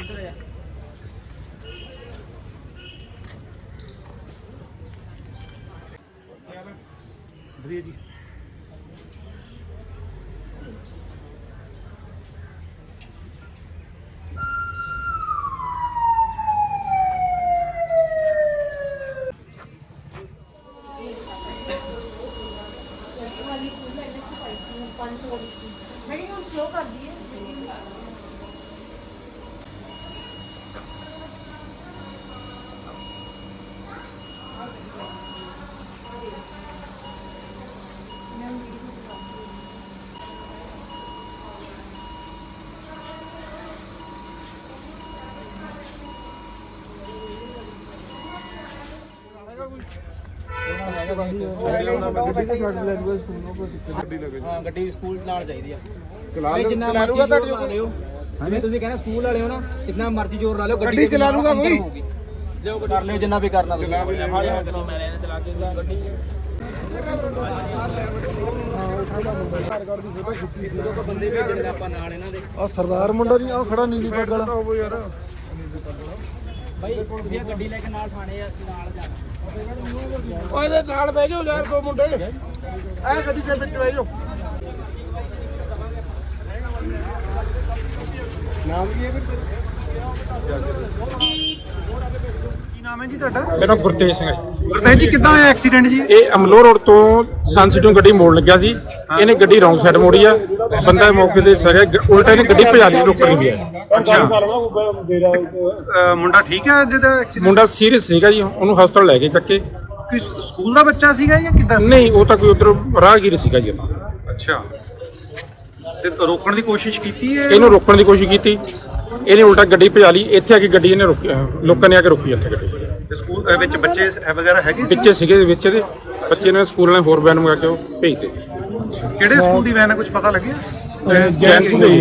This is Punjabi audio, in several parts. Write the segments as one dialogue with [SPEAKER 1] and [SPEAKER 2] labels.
[SPEAKER 1] जी
[SPEAKER 2] ਗੱਡੀ ਸਕੂਲ ਨਾਲ ਚਾਹੀਦੀ ਆ ਜਿੰਨਾ ਮਰਜ਼ੀ ਲਾ ਲਿਓ ਜਿਵੇਂ ਤੁਸੀਂ ਕਹਿੰਦੇ ਸਕੂਲ ਵਾਲੇ ਹੋ ਨਾ ਜਿੰਨਾ ਮਰਜ਼ੀ ਜ਼ੋਰ ਲਾ ਲਿਓ ਗੱਡੀ ਚਲਾ ਲੂਗਾ ਕੋਈ ਲਿਓ ਕਰ ਲਿਓ ਜਿੰਨਾ ਵੀ ਕਰਨਾ ਤੁਸੀਂ ਬੰਦੇ ਭੇਜਣੇ ਆਪਾਂ ਨਾਲ ਇਹਨਾਂ ਦੇ
[SPEAKER 1] ਆ ਸਰਦਾਰ ਮੁੰਡਾ ਨਹੀਂ ਆ ਖੜਾ ਨੀਲੀ ਪੱਗ ਵਾਲਾ ਯਾਰ
[SPEAKER 2] ਭਾਈ ਗੱਡੀ ਲੈ ਕੇ ਨਾਲ ਥਾਣੇ ਨਾਲ ਜਾਣਾ
[SPEAKER 1] ਉਹਦੇ ਨਾਲ ਬਹਿ ਜਾਓ ਯਾਰ ਦੋ ਮੁੰਡੇ ਐ ਗੱਡੀ ਦੇ ਵਿੱਚ ਬਹਿ ਜਾਓ ਨਾਮ ਕੀ ਹੈ ਕੀ ਨਾਮ ਹੈ ਜੀ ਤੁਹਾਡਾ?
[SPEAKER 3] ਮੇਰਾ ਗੁਰਤੇਜ ਸਿੰਘ ਹੈ।
[SPEAKER 1] ਗੁਰਤੇਜ ਜੀ ਕਿੱਦਾਂ ਹੋਇਆ ਐਕਸੀਡੈਂਟ ਜੀ?
[SPEAKER 3] ਇਹ ਅਮਲੋਹ ਰੋਡ ਤੋਂ ਸੰਸਿਟੋਂ ਗੱਡੀ ਮੋੜ ਲੱਗਿਆ ਸੀ, ਇਹਨੇ ਗੱਡੀ ਰੌਂਗ ਸਾਈਡ ਮੋੜੀ ਆ, ਬੰਦਾ ਮੌਕੇ ਤੇ ਸਰਿਆ, ਉਲਟਾ ਇਹਨੇ ਗੱਡੀ ਭਜਾ ਲਈ, ਰੋਕ ਨਹੀਂ ਗਿਆ।
[SPEAKER 1] ਅੱਛਾ ਮੁੰਡਾ ਠੀਕ ਹੈ ਜਿਹਦਾ ਐਕਸੀਡੈਂਟ?
[SPEAKER 3] ਮੁੰਡਾ ਸੀਰੀਅਸ ਸੀਗਾ ਜੀ, ਉਹਨੂੰ ਹਸਪਤਾਲ ਲੈ ਕੇ ਚੱਕੇ।
[SPEAKER 1] ਕੋਈ ਸਕੂਲ ਦਾ ਬੱਚਾ ਸੀਗਾ ਜਾਂ ਕਿੱਦਾਂ?
[SPEAKER 3] ਨਹੀਂ, ਉਹ ਤਾਂ ਕੋਈ ਉਧਰ ਰਾਹਗੀਰ ਸੀਗਾ ਜੀ।
[SPEAKER 1] ਅੱਛਾ, ਤੇ ਰੋਕਣ ਦੀ ਕੋਸ਼ਿਸ਼ ਕੀਤੀ ਹੈ?
[SPEAKER 3] ਇਹਨੂੰ ਰੋਕਣ ਦੀ ਕੋਸ਼ਿਸ਼ ਕੀਤੀ, ਇਹਨੇ ਉਲਟਾ ਗੱਡੀ ਭਜਾ ਲਈ। ਇੱਥੇ ਆ ਕੇ ਗੱਡੀ ਇਹਨੇ ਰੋਕੀ, ਲੋਕਾਂ ਨੇ ਆ ਕੇ ਰੋਕੀ ਇੱਥੇ ਗੱਡੀ।
[SPEAKER 1] ਤੇ ਸਕੂਲ ਵਿੱਚ ਬੱਚੇ ਵਗੈਰਾ ਹੈਗੇ ਸੀ?
[SPEAKER 3] ਬੱਚੇ ਸੀਗੇ ਵਿੱਚ ਇਹਦੇ, ਬੱਚੇ ਨੇ ਸਕੂਲ ਵਾਲੇ ਹੋਰ ਵੈਨ ਮੰਗਾ ਕੇ ਉਹ ਭੇਜਦੇ।
[SPEAKER 1] ਕਿਹੜੇ ਸਕੂਲ ਦੀ ਵੈਨ ਹੈ, ਕੁਝ ਪਤਾ ਲੱਗਿਆ?
[SPEAKER 3] ਜੈਨ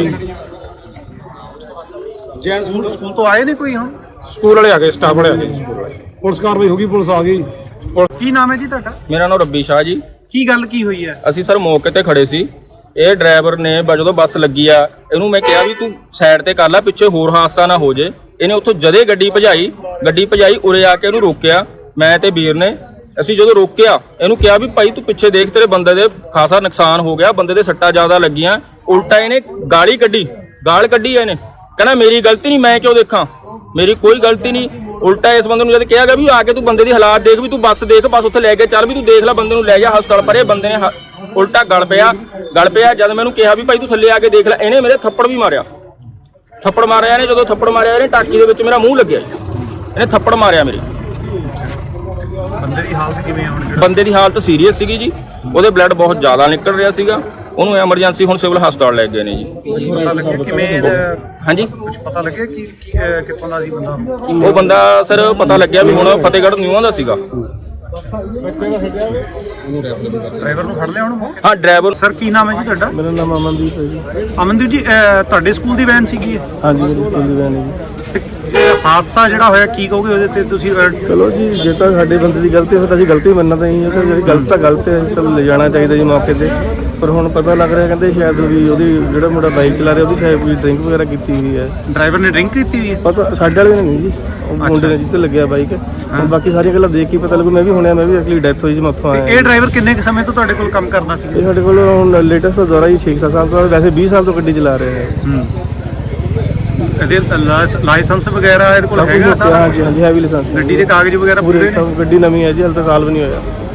[SPEAKER 1] ਸਕੂਲ ਤੋਂ ਆਏ ਨੇ ਕੋਈ? ਹੁਣ
[SPEAKER 3] ਸਕੂਲ ਵਾਲੇ ਆ ਗਏ, ਸਟਾਫ ਵਾਲੇ ਆ ਗਏ, ਸਕੂਲ ਵਾਲੇ।
[SPEAKER 1] ਪੁਲਿਸ ਕਾਰਵਾਈ ਹੋ ਗਈ, ਪੁਲਿਸ ਆ ਗਈ। ਕੀ ਨਾਮ ਹੈ ਜੀ ਤੁਹਾਡਾ?
[SPEAKER 4] ਮੇਰਾ ਨਾਮ ਰੱਬੀ ਸ਼ਾਹ ਜੀ।
[SPEAKER 1] ਕੀ ਗੱਲ ਕੀ ਹੋਈ ਹੈ?
[SPEAKER 4] ਅਸੀਂ ਸਰ ਮੌਕੇ ਤੇ ਖੜੇ ਸੀ, ਇਹ ਡਰਾਈਵਰ ਨੇ ਜਦੋਂ ਬੱਸ ਲੱਗੀ ਆ, ਇਹਨੂੰ ਮੈਂ ਕਿਹਾ ਵੀ ਤੂੰ ਸਾਈਡ ਤੇ ਕਰ ਲੈ, ਪਿੱਛੇ ਹੋਰ ਹਾਦਸਾ ਨਾ ਹੋ ਜੇ। ਇਹਨੇ ਉੱਥੋਂ ਜਦੇ ਗੱਡੀ ਭਜਾਈ, ਉਰੇ ਆ ਕੇ ਇਹਨੂੰ ਰੋਕਿਆ, ਮੈਂ ਤੇ ਵੀਰ ਨੇ। ਅਸੀਂ ਜਦੋਂ ਰੋਕਿਆ, ਇਹਨੂੰ ਕਿਹਾ ਵੀ ਭਾਈ ਤੂੰ ਪਿੱਛੇ ਦੇਖ, ਤੇਰੇ ਬੰਦੇ ਦੇ ਖਾਸਾ ਨੁਕਸਾਨ ਹੋ ਗਿਆ, ਬੰਦੇ ਦੇ ਸੱਟਾਂ ਜ਼ਿਆਦਾ ਲੱਗੀਆਂ। ਉਲਟਾ ਇਹਨੇ ਗਾਲ ਕੱਢੀ ਇਹਨੇ, ਕਹਿੰਦਾ ਮੇਰੀ ਗਲਤੀ ਨਹੀਂ, ਮੈਂ ਕਿਉਂ ਦੇਖਾਂ, ਮੇਰੀ ਕੋਈ ਗਲਤੀ ਨਹੀਂ। ਉਲਟਾ ਇਸ ਬੰਦੇ ਨੂੰ ਜਦ ਕਿਹਾ ਗਿਆ ਵੀ ਆ ਕੇ ਤੂੰ ਬੰਦੇ ਦੀ ਹਾਲਾਤ ਦੇਖ, ਵੀ ਤੂੰ ਬੱਸ ਦੇਖ, ਬੱਸ ਉੱਥੇ ਲੈ ਕੇ ਚੱਲ, ਵੀ ਤੂੰ ਦੇਖ ਲੈ, ਬੰਦੇ ਨੂੰ ਲੈ ਜਾ ਹਸਪਤਾਲ। ਪਰ ਇਹ ਬੰਦੇ ਨੇ ਉਲਟਾ ਗਲ ਪਿਆ। ਜਦ ਮੈਨੂੰ ਕਿਹਾ ਵੀ ਭਾਈ ਤੂੰ ਥੱਲੇ ਆ ਕੇ ਦੇਖ ਲੈ, ਇਹਨੇ ਮੇਰੇ ਥੱਪੜ ਵੀ ਮਾਰਿਆ। ਇਹਨੇ ਜਦੋਂ ਥੱਪੜ ਮਾਰਿਆ, ਇਹਨੇ ਟਾਕੀ ਦੇ ਵਿੱਚ ਮੇਰਾ ਮੂੰਹ ਲੱਗਿਆ, ਇਹਨੇ ਥੱਪੜ ਮਾਰਿਆ ਮੇਰੇ।
[SPEAKER 1] ਬੰਦੇ ਦੀ ਹਾਲਤ ਕਿਵੇਂ ਹੈ ਹੁਣ?
[SPEAKER 4] ਬੰਦੇ ਦੀ ਹਾਲਤ ਸੀਰੀਅਸ ਸੀਗੀ ਜੀ, ਉਹਦੇ ਬਲੱਡ ਬਹੁਤ ਜ਼ਿਆਦਾ ਨਿਕਲ ਰਿਹਾ ਸੀਗਾ, ਉਹਨੂੰ ਐਮਰਜੈਂਸੀ ਹੁਣ ਸਿਵਲ ਹਸਪਤਾਲ ਲੈ ਗਏ ਨੇ ਜੀ।
[SPEAKER 1] ਪਤਾ ਲੱਗਿਆ ਕਿਵੇਂ?
[SPEAKER 4] ਹਾਂਜੀ,
[SPEAKER 1] ਕੁਝ ਪਤਾ ਲੱਗਿਆ ਕਿ ਕਿੱਥੋਂ ਦਾ ਸੀ ਬੰਦਾ?
[SPEAKER 4] ਉਹ ਬੰਦਾ ਸਰ ਪਤਾ ਲੱਗਿਆ ਵੀ ਹੁਣ ਫਤਿਹਗੜ੍ਹ ਨਿਊਆਂ ਦਾ ਸੀਗਾ।
[SPEAKER 1] ਡਰਾਈਵਰ ਨੂੰ ਫੜ ਲਿਆ ਹੁਣ?
[SPEAKER 4] ਹਾਂ, ਡਰਾਈਵਰ।
[SPEAKER 1] ਸਰ ਕੀ ਨਾਮ ਹੈ ਜੀ ਤੁਹਾਡਾ?
[SPEAKER 5] ਮੇਰਾ ਨਾਮ ਅਮਨਦੀਪ ਹੈ ਜੀ।
[SPEAKER 1] ਅਮਨਦੀਪ ਜੀ, ਤੁਹਾਡੇ ਸਕੂਲ ਦੀ ਵੈਨ ਸੀਗੀ?
[SPEAKER 5] ਹਾਂਜੀ, ਮੇਰੀ ਸਕੂਲ ਦੀ ਵੈਨ ਹੈ ਜੀ।
[SPEAKER 1] ਤੇ ਹਾਦਸਾ ਜਿਹੜਾ ਹੋਇਆ ਕੀ ਕਹੋਗੇ ਉਹਦੇ ਤੇ ਤੁਸੀਂ?
[SPEAKER 5] ਚਲੋ ਜੀ, ਜੇ ਤਾਂ ਸਾਡੇ ਬੰਦੇ ਦੀ ਗਲਤੀ ਹੋਵੇ ਤਾਂ ਅਸੀਂ ਗਲਤੀ ਮੰਨਣਾ ਤਾਂ ਹੀ ਹੈ, ਜਿਹੜੀ ਗਲਤ ਤਾਂ ਗਲਤ ਹੈ, ਚਲੋ ਲੈ ਜਾਣਾ ਚਾਹੀਦਾ ਜੀ ਮੌਕੇ ਤੇ। ਪਰ ਹੁਣ ਪਤਾ ਲੱਗ ਰਿਹਾ, ਕਹਿੰਦੇ ਸ਼ਾਇਦ ਵੀ ਉਹਦੀ ਜਿਹੜਾ ਮੁੰਡਾ ਬਾਈਕ ਚਲਾ ਰਿਹਾ, ਉਹਦੀ ਸ਼ਾਇਦ ਕੋਈ ਡਰਿੰਕ ਵਗੈਰਾ ਕੀਤੀ ਹੋਈ ਹੈ।
[SPEAKER 1] ਡਰਾਈਵਰ ਨੇ ਡਰਿੰਕ ਕੀਤੀ ਹੋਈ ਹੈ?
[SPEAKER 5] ਪਤਾ ਸਾਡੇ ਵਾਲੇ ਨੇ ਨਹੀਂ ਜੀ, ਉਹ ਮੁੰਡੇ ਨੇ ਜਿੱਥੇ ਲੱਗਿਆ ਬਾਈਕ। ਹੁਣ ਬਾਕੀ ਸਾਰੀਆਂ ਗੱਲਾਂ ਦੇਖ ਕੇ ਪਤਾ ਲੱਗੂ। ਮੈਂ ਵੀ ਹੁਣਿਆ, ਮੈਂ ਵੀ ਐਕਚੁਅਲੀ ਡੈਥ ਹੋਈ ਸੀ, ਮੈਂ ਉੱਥੋਂ ਆਇਆ।
[SPEAKER 1] ਇਹ ਡਰਾਈਵਰ ਕਿੰਨੇ ਕੁ ਸਮੇਂ ਤੋਂ ਤੁਹਾਡੇ ਕੋਲ ਕੰਮ ਕਰਦਾ ਸੀ?
[SPEAKER 5] ਇਹ ਸਾਡੇ ਕੋਲ ਹੁਣ ਲੇਟੈਸਟ ਦੌਰਾ ਜੀ 6-7 ਸਾਲ ਤੋਂ, ਵੈਸੇ 20 ਸਾਲ ਤੋਂ ਗੱਡੀ ਚਲਾ ਰਿਹਾ ਹੈ।
[SPEAKER 1] ਇਹਦੇ ਲਾਇਸੈਂਸ ਵਗੈਰਾ ਇਹਦੇ ਕੋਲ ਹੈਗਾ?
[SPEAKER 5] ਹਾਂਜੀ, ਹੈਵੀ ਲਾਇਸੈਂਸ।
[SPEAKER 1] ਗੱਡੀ ਦੇ ਕਾਗਜ਼ ਵਗੈਰਾ ਪੂਰੇ?
[SPEAKER 5] ਗੱਡੀ ਨਵੀਂ ਹੈ ਜੀ, ਹਾਲੇ ਤਾਂ ਸਾਲ ਵੀ ਨਹੀਂ ਹੋਇਆ।